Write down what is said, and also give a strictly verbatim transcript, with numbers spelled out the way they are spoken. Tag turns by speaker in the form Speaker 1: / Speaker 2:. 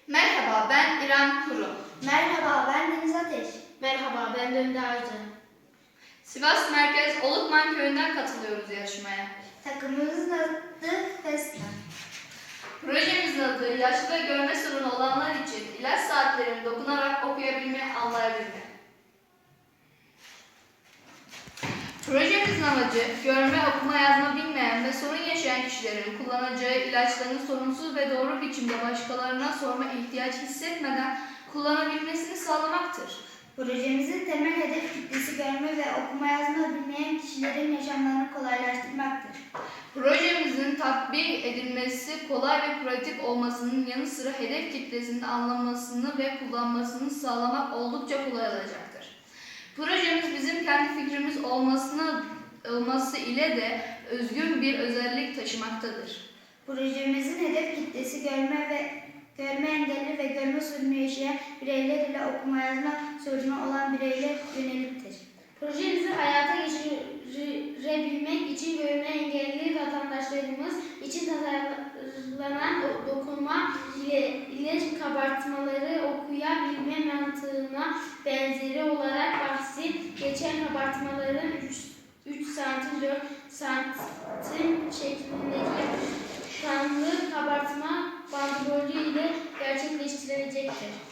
Speaker 1: Merhaba, ben İrem Kuru.
Speaker 2: Merhaba, ben Deniz Ateş.
Speaker 3: Merhaba, ben Dönde Arca.
Speaker 1: Sivas Merkez Olukman Köyü'nden katılıyoruz yarışmaya.
Speaker 2: Takımımızın adı Fesna.
Speaker 1: Projemizin adı yaşlı ve görme sorunu olanlar için ilaç saatlerini dokunarak okuyabilme, anlayabilme. Projemizin amacı görme, okuma, yazma bilmeyen ve sorun yaşayan kişilerin kullanacağı ilaçların sorunsuz ve doğru biçimde başkalarına sorma ihtiyaç hissetmeden kullanabilmesini sağlamaktır.
Speaker 2: Projemizin temel hedef kitlesi görme ve okuma yazma bilmeyen kişilerin yaşamlarını kolaylaştırmaktır.
Speaker 1: Projemizin tatbik edilmesi kolay ve pratik olmasının yanı sıra hedef kitlesinin anlamasını ve kullanmasını sağlamak oldukça kolay olacaktır. Projemiz bizim kendi fikrimiz olmasına, olması ile de özgün bir özellik taşımaktadır.
Speaker 2: Projemizin hedef kitlesi görme ve görme engelli ve görme sorunu yaşayan bireyler ile okuma yazma sorunu olan bireyler yöneliktir.
Speaker 3: Projemizi hayata geçirebilmek için görme engelli vatandaşlarımız için tasarlanan dokunma ile ilaç kabartmaları okuyabilme mantığına benzeri olarak bahsi geçen kabartmaların üç santim dört santim şeklindeki kanlı kabartma bandrolü ile gerçekleştirilecektir.